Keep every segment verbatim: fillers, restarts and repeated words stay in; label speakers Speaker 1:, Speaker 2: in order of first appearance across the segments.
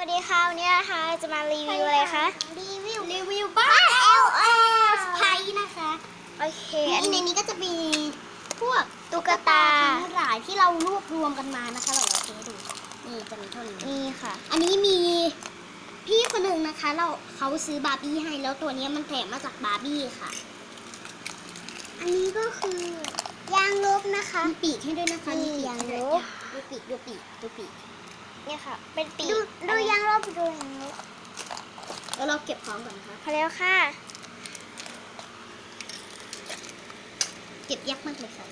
Speaker 1: วัสดีค่ะวันนี้นะคะจะมารีวิวอะไรคะ
Speaker 2: รีวิวรีวิวบ้าน แอล เอส ไพนะคะ
Speaker 1: โอเคอัน
Speaker 2: ใน
Speaker 1: นี้
Speaker 2: นี้ก็จะมีพวก
Speaker 1: ตุ๊กตา
Speaker 2: ทั้งหลายที่เรารวบรวมกันมานะคะเราเอาเทดูนี่จะมีเท่านี้
Speaker 1: นี่ค่ะ
Speaker 2: อันนี้มีพี่คนหนึ่งนะคะเราเขาซื้อบาร์บี้ให้แล้วตัวนี้มันแถมมาจากบาร์บี้ค่ะ อันนี้ก็คือยางลบนะคะมีปีกให้ด้วยนะคะ
Speaker 1: นี่
Speaker 2: มีปีก
Speaker 1: ยาง
Speaker 2: ให้
Speaker 1: ล
Speaker 2: ด้วย
Speaker 1: บ
Speaker 2: ดูปีกดูปีกดูปีก
Speaker 1: เนี่ยค่ะ เป็นปีก
Speaker 2: ดูดู
Speaker 1: อันนี้
Speaker 2: ยางลบดูยางลบแล้วเราเก็บพร้อมก่อนนะคะ
Speaker 1: พอแล้วค่ะ
Speaker 2: เก็บยากมากเลยค่ะ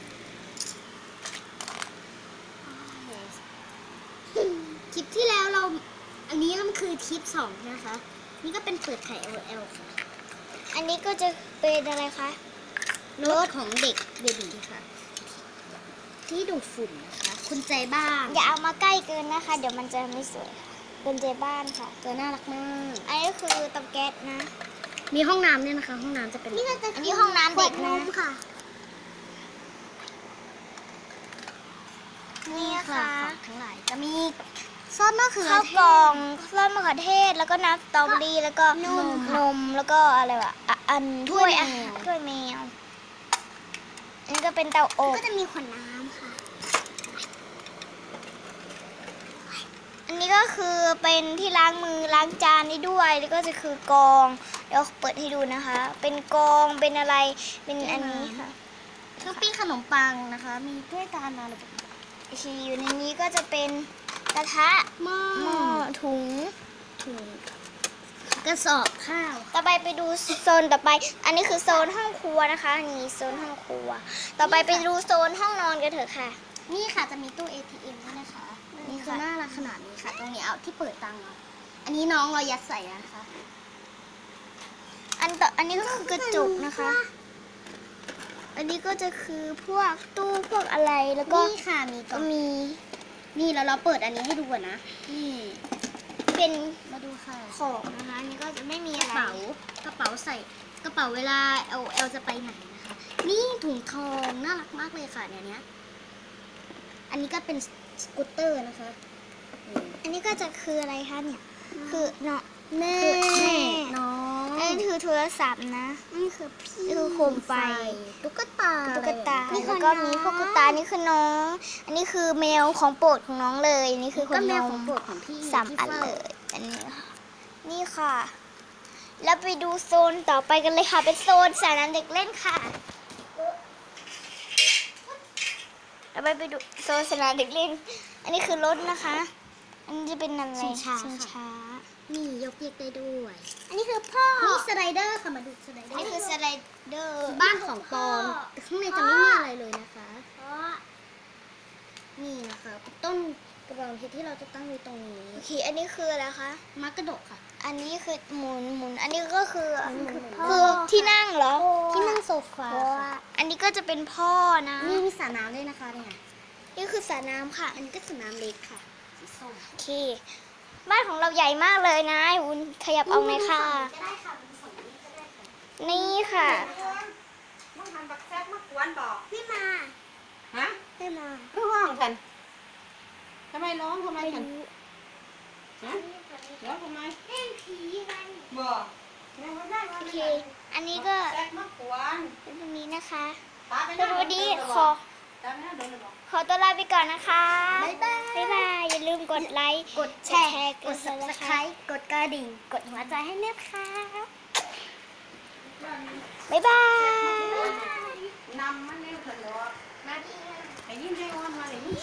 Speaker 2: คลิปที่แล้วเรา อันนี้มันคือคลิปสองนะคะ นี่ก็เป็นเปิดไข่ แอล แอล ค่ะ
Speaker 1: อันนี้ก็จะเป็นอะไรคะ
Speaker 2: รถของเด็กเบบีค่ะ ที่ดูดฝุ่นนะคะ คุณใจบ้าง
Speaker 1: อย่าเอามาใกล้เกินนะคะ เดี๋ยวมันจะไม่สวยค่ะเป็นเจบ้านค่ะ
Speaker 2: ตัวน่ารักมาก
Speaker 1: อันนี้คือเตาแก๊สนะ
Speaker 2: มีห้องน้ำเนี่ยนะคะ ห้องน้ำจะเป็น
Speaker 1: นี่ก็จะอันนี้ห้องน้ำเด็กนะ
Speaker 2: ค่ะ
Speaker 1: นี่ค่ะ
Speaker 2: ของทั้งหลายจะมีซอสมะเขือ
Speaker 1: ข้าว
Speaker 2: เท
Speaker 1: กล่อง
Speaker 2: ศ
Speaker 1: ซอสมะเขือเทศแล้วก็น้ำสตรอเบอรี่แล้วก็
Speaker 2: น
Speaker 1: น
Speaker 2: มค่ะ
Speaker 1: มแล้วก็อะไรวะอ่ะอัน
Speaker 2: ถ้วย
Speaker 1: อา
Speaker 2: แม
Speaker 1: หาร
Speaker 2: ว
Speaker 1: ถ้วยแมวอันนี้ก็เป็นเตาอบ
Speaker 2: ก็จะมีขวดน้ำค่ะ
Speaker 1: อันนี้ก็คือเป็นที่ล้างมือล้างจานนี่ด้วยแล้วก็จะคือกอง เดี๋ยวเปิดให้ดูนะคะ เป็นกองเป็นอะไรเป็นอันนี้ค่ะ
Speaker 2: ช้อปปิ้งขนมปังนะคะ มีถ้วยจานอะไรแบบนี้
Speaker 1: ที่อยู่ในนี้ก็จะเป็นกระทะ
Speaker 2: หม้อ
Speaker 1: หม้อถุง
Speaker 2: ถุงกระสอบข้าว
Speaker 1: ต่อไปไปดูโซนต่อไป อันนี้คือโซนห้องครัวนะคะนี่โซนห้องครัว ต่อไปไปดูโซนห้องนอนกันเถอะค่ะ
Speaker 2: นี่ค่ะจะมีตู้ เอ ที เอ็ม ด้วยนะคะ
Speaker 1: นี่
Speaker 2: นี่
Speaker 1: ค่ะ
Speaker 2: คือน่ารักขนาดนี้ค่ะ ตรงนี้เอาที่เปิดตังค์เอาอันนี้น้องเรายัดใส่นะคะ
Speaker 1: อันต่ออันนี้ก็คือกระจกนะคะ อันนี้ก็จะคือพวกตู้พวกอะไรแล้วก็
Speaker 2: นี่ค่ะมีกล่
Speaker 1: ก็
Speaker 2: อง
Speaker 1: มี
Speaker 2: นี่แล้วเราเปิดอันนี้ให้ดูก่อนนะ นี่
Speaker 1: เป็น
Speaker 2: มาดูค่ะ
Speaker 1: ของนะคะอันนี้ก็จะไม่มี
Speaker 2: ก
Speaker 1: อะ
Speaker 2: ระ
Speaker 1: ไร
Speaker 2: เป๋ากระเป๋าใส่กระเป๋าเวลาเอลเอลจะไปไหนนะคะ นี่ถุงทองน่ารักมากเลยค่ะเนี่ยเนี้ยอันนี้ก็เป็นสกูตเตอร์นะคะนี่
Speaker 1: อันนี้ก็จะคืออะไรคะเนี่ย คือเนาะ
Speaker 2: แม่
Speaker 1: คือแม่
Speaker 2: น้อง
Speaker 1: อันนี้คือโทรศัพท์นะ
Speaker 2: นี่คือพี่
Speaker 1: นี่คือโคมไฟ
Speaker 2: ตุ๊กตา
Speaker 1: ตุ๊กตา
Speaker 2: อะไรแบบนี้
Speaker 1: แล้วก็มีพวกตุ๊กตานี่คือน้อง อันนี้คือแมวของโปรดของน้องเลยอันนี้คือคน
Speaker 2: ก็แม
Speaker 1: น
Speaker 2: วขอ
Speaker 1: ม
Speaker 2: งโปรดของพี่
Speaker 1: สาม
Speaker 2: ที่
Speaker 1: อัน
Speaker 2: ฝ้า
Speaker 1: เลย อันนี้ค่ะ นี่ค่ะ แล้วไปดูโซนต่อไปกันเลยค่ะ เป็นโซนสระน้ำเด็กเล่นค่ะแล้วไปไปดูโซนสระน้ำเด็กเล่น อันนี้คือรถนะคะ อันนี้จะเป็นอะไร
Speaker 2: ชิงช้า
Speaker 1: ชิง
Speaker 2: ค่ะ
Speaker 1: ช้า
Speaker 2: นี่ยกเยกได้ด้วย อันนี้คือพ่อนี่สไลเดอร์ค่ะ มาดูสไลเดอ
Speaker 1: อัน
Speaker 2: ร์
Speaker 1: นี้คือสไลเดอร์
Speaker 2: บ้านของปองแต่ข้างในจะไม่มีอะไรเลยนะคะ นี่นะคะ ต้นกระบองเพชรที่เราจะตั้งไว้ตรงนี้
Speaker 1: โอเค อันนี้คืออะไรคะ
Speaker 2: มักกระดกค่ะ
Speaker 1: อันนี้คือหมุนหมุน อันนี้ก็คือ
Speaker 2: หมุนหมุน
Speaker 1: คือที่นั่งเหรอ
Speaker 2: ที่นั่งโซฟา
Speaker 1: เพราะว่า
Speaker 2: ค่ะ
Speaker 1: อันนี้ก็จะเป็นพ่อนะ
Speaker 2: นี่มีสระน้ำด้วยนะคะเนี่ย
Speaker 1: นี่คือสระน้ำค่ะ
Speaker 2: อันนี้ก็สระน้ำเล็กค่ะสีส้ม
Speaker 1: โอเค บ้านของเราใหญ่มากเลยนะอุ่นขยับเอาไหมค่ะ
Speaker 2: ก็ได้ค่ะเป็นฝั่งนี้ก็ได้ค่ะ
Speaker 1: นี่ค่ะ
Speaker 3: มึงทำบักแซ่บมากวนบอก
Speaker 2: ไม่มา
Speaker 3: ฮะ
Speaker 2: ไม่มา
Speaker 3: เพื่อห้องกันทำไมร้องทำไมกันฮะร้องทำไม
Speaker 2: เล่นผีกัน
Speaker 3: บอก
Speaker 1: โอเค อันนี้ก็
Speaker 3: แซ่บมากวน
Speaker 1: เป็นตรงนี้นะคะ
Speaker 3: ตาไป
Speaker 1: สวัสดีขอ
Speaker 3: ตาไปนั่งเดินเลยบอก
Speaker 1: ขอตัวลาไปก่อนนะคะ
Speaker 2: บ๊ายบาย
Speaker 1: บ๊ายบาย อย่าลืมกดไลค์
Speaker 2: กดแชร์
Speaker 1: ก
Speaker 2: ก
Speaker 1: ด
Speaker 2: ด
Speaker 1: ซับสไคร
Speaker 2: subscribe กดกระดิ่ง กดหัวใจให้แม่ค่ะ
Speaker 1: บ๊ายบาย
Speaker 3: นำมันเร็วเถิดหรอไอ้ยิ้มให้อ้อนมาเลย